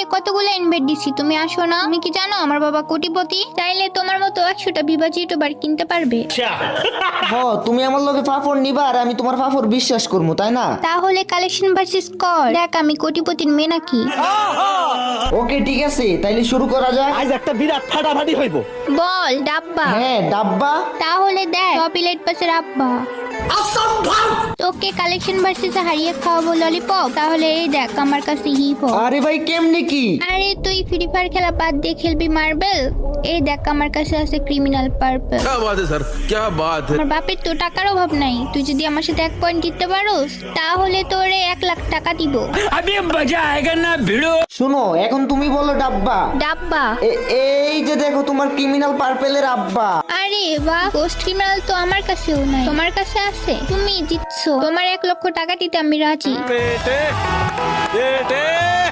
কতগুলো ইনভাইট দিছি, তুমি আসো না? তুমি কি জানো আমার বাবা কোটিপতি? চাইলে তোমার মতো 100টা বিভাজি ইউটিউবার কিনতে পারবে। তুমি আমার লগে ফাফর নিবা আর আমি তোমার ফাফর বিশ্বাস করবো, তাই না? তাহলে কালেকশন ভার্সেস কর, দেখ আমি কোটিপতির মেয়ে নাকি। ওকে ঠিক আছে, তাইলে শুরু করা যাক। আজ একটা বিরাট ফাটাফাটি হইব। বল ডাব্বা। হ্যাঁ ডাব্বা। তাহলে দেখ টপিলেট পাসের আব্বা। তোকে কালেকশন ভার্সেসে হারিয়ে খাওয়াবো ললিপপ। তাহলে এই দেখ আমার কাছে হিপ হপ। আরে ভাই কেমনে কি? আরে তুই ফ্রি ফায়ার খেলা বাদ দিয়ে খেলবি মার্বেল। এই দেখ আমার কাছে আছে ক্রিমিনাল পার্পল। क्या बात है सर, क्या बात है। আমার বাপের তো টাকার অভাব নাই, তুই যদি আমার সাথে 1 পয়েন্ট দিতে পারোস তাহলে তোরে 1 লাখ টাকা দিব। শোনো, এখন তুমি বলো ডাব্বা। ডাব্বা। এই যে দেখো তোমার ক্রিমিনাল পার্পেলের আব্বা। আরে বাহ, গোস্ট ক্রিমিনাল তো আমার কাছেও নাই, তোমার কাছে আছে, তুমি জিতছো। তোমার 1 লক্ষ টাকা দিতে আমি রাজি।